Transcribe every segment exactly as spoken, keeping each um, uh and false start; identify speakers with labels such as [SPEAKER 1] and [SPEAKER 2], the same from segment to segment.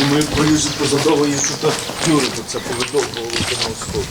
[SPEAKER 1] Думаю, колюзі позадовує тут тюри, тут це повидовбувало до сходу.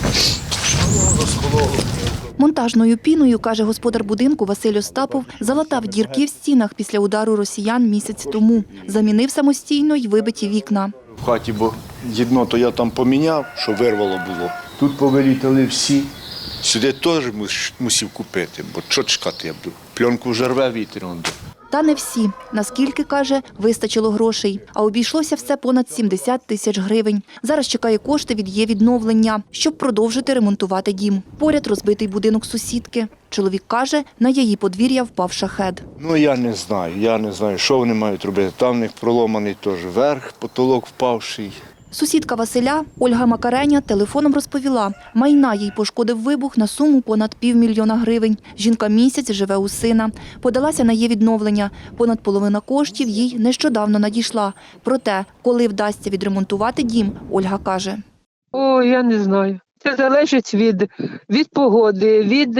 [SPEAKER 1] Воно розкололо.
[SPEAKER 2] Монтажною піною, каже господар будинку Василь Остапов, залатав дірки в стінах після удару росіян місяць тому. Замінив самостійно й вибиті вікна.
[SPEAKER 1] В хаті, бо єдно то я там поміняв, що вирвало було. Тут повилітали всі. Сюди теж мусив купити, бо що чекати я буду. Пленку вже рве вітер.
[SPEAKER 2] Та не всі. Наскільки, каже, вистачило грошей. А обійшлося все понад сімдесят тисяч гривень. Зараз чекає кошти від «Є-відновлення», щоб продовжити ремонтувати дім. Поряд розбитий будинок сусідки. Чоловік каже, на її подвір'я впав шахед.
[SPEAKER 1] Ну, я не знаю, я не знаю, що вони мають робити. Там в них проломаний теж верх, потолок впавший.
[SPEAKER 2] Сусідка Василя, Ольга Макареня, телефоном розповіла, майна їй пошкодив вибух на суму понад півмільйона гривень. Жінка місяць живе у сина. Подалася на «Є-відновлення». Понад половина коштів їй нещодавно надійшла. Проте, коли вдасться відремонтувати дім, Ольга каже.
[SPEAKER 3] О, я не знаю. Це залежить від, від погоди, від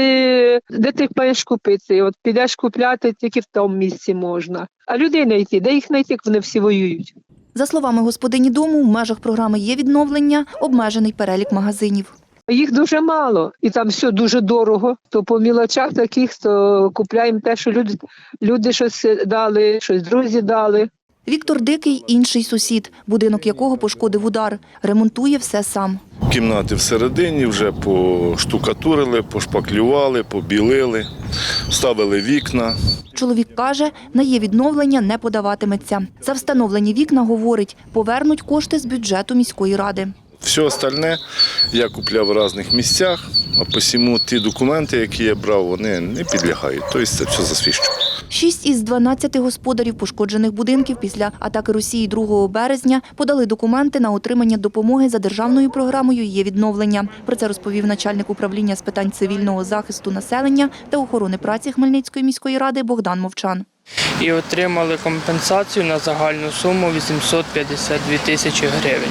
[SPEAKER 3] де ти маєш купити. От підеш купляти, тільки в тому місці можна. А людей знайти, де їх знайти, як вони всі воюють?
[SPEAKER 2] За словами господині дому, в межах програми «Є-відновлення» обмежений перелік магазинів.
[SPEAKER 3] Їх дуже мало, і там все дуже дорого. То по мілочах таких, то купляємо те, що люди, люди щось дали, щось друзі дали.
[SPEAKER 2] Віктор Дикий – інший сусід, будинок якого пошкодив удар. Ремонтує все сам.
[SPEAKER 4] Кімнати всередині вже поштукатурили, пошпаклювали, побілили, вставили вікна.
[SPEAKER 2] Чоловік каже, на «Є-відновлення» не подаватиметься. За встановлені вікна, говорить, повернуть кошти з бюджету міської ради.
[SPEAKER 4] Все остальне я купляв в різних місцях, а посіму ті документи, які я брав, вони не підлягають. Тобто це все засвідчено.
[SPEAKER 2] Шість із дванадцяти господарів пошкоджених будинків після атаки Росії другого березня подали документи на отримання допомоги за державною програмою «Є-відновлення». Про це розповів начальник управління з питань цивільного захисту населення та охорони праці Хмельницької міської ради Богдан Мовчан.
[SPEAKER 5] І отримали компенсацію на загальну суму вісімсот п'ятдесят дві тисячі гривень.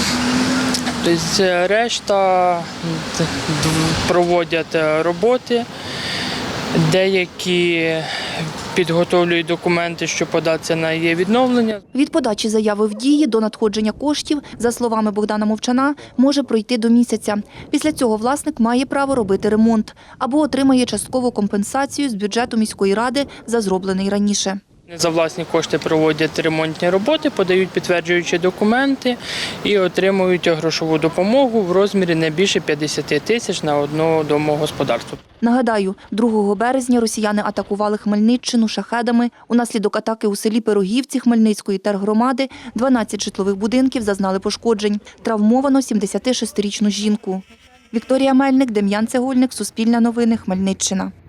[SPEAKER 5] Тобто решта проводять роботи, деякі підготовлюють документи, щоб податися на «Є-відновлення».
[SPEAKER 2] Від подачі заяви в дії до надходження коштів, за словами Богдана Мовчана, може пройти до місяця. Після цього власник має право робити ремонт або отримає часткову компенсацію з бюджету міської ради за зроблений раніше.
[SPEAKER 5] За власні кошти проводять ремонтні роботи, подають підтверджуючі документи і отримують грошову допомогу в розмірі не більше п'ятдесят тисяч на одне домогосподарство.
[SPEAKER 2] Нагадаю, другого березня росіяни атакували Хмельниччину шахедами. Унаслідок атаки у селі Пирогівці Хмельницької тергромади дванадцять житлових будинків зазнали пошкоджень. Травмовано сімдесятишестирічну жінку. Вікторія Мельник, Дем'ян Цегольник, Суспільне новини, Хмельниччина.